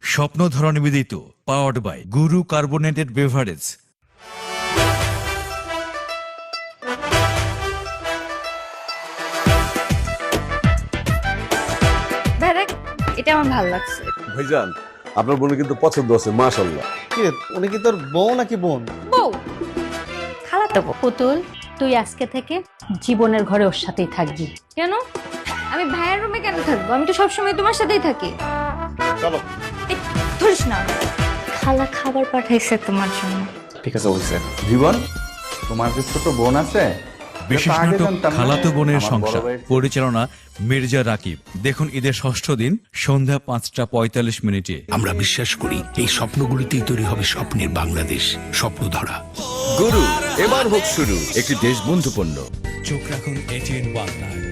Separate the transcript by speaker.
Speaker 1: স্বপ্নধারা নিবেদিত, powered by Guru carbonated beverage.
Speaker 2: দেখ, এটা আমার ভালো লাগছে।
Speaker 3: ভাইজান, আপনার বোনের কিন্তু পছন্দ আছে, মাশাআল্লাহ।
Speaker 4: কি রে, উনি কি তোর বউ নাকি বোন?
Speaker 2: বউ, খালাতো বউ।
Speaker 5: পুতুল, তুই আজকে থেকে জীবনের ঘরে ওর সাথেই থাকবি।
Speaker 2: কেন? আমি ভাইয়ের রুমে কেন থাকবো? আমি তো সবসময় তোমার সাথেই থাকি।
Speaker 4: চলো।
Speaker 2: এই, ধরিস না। খালা খাবার পাঠাইছে তোমার জন্য।
Speaker 6: ঠিক আছে বলছে। জীবন, তোমার যে ছোট বোন আছে,
Speaker 1: বিশেষ
Speaker 6: এটা তো আগে
Speaker 1: নাটক
Speaker 6: জানতাম না।
Speaker 1: খালাতো বোনের
Speaker 6: আমার বড়
Speaker 1: সংসার,
Speaker 6: ভাইয়ের-
Speaker 1: পরিচালনা মির্জা রাকিব। দেখুন ঈদের ষষ্ঠ দিন সন্ধ্যা 5:45।
Speaker 7: আমরা বিশ্বাস করি এই স্বপ্নগুলিতেই তৈরি হবে স্বপ্নের বাংলাদেশ। স্বপ্নধারা।
Speaker 8: গুরু এবার হোক শুরু, একটি দেশবন্ধু পণ্য।
Speaker 1: চোখ রাখুন এটিএন বাংলায়।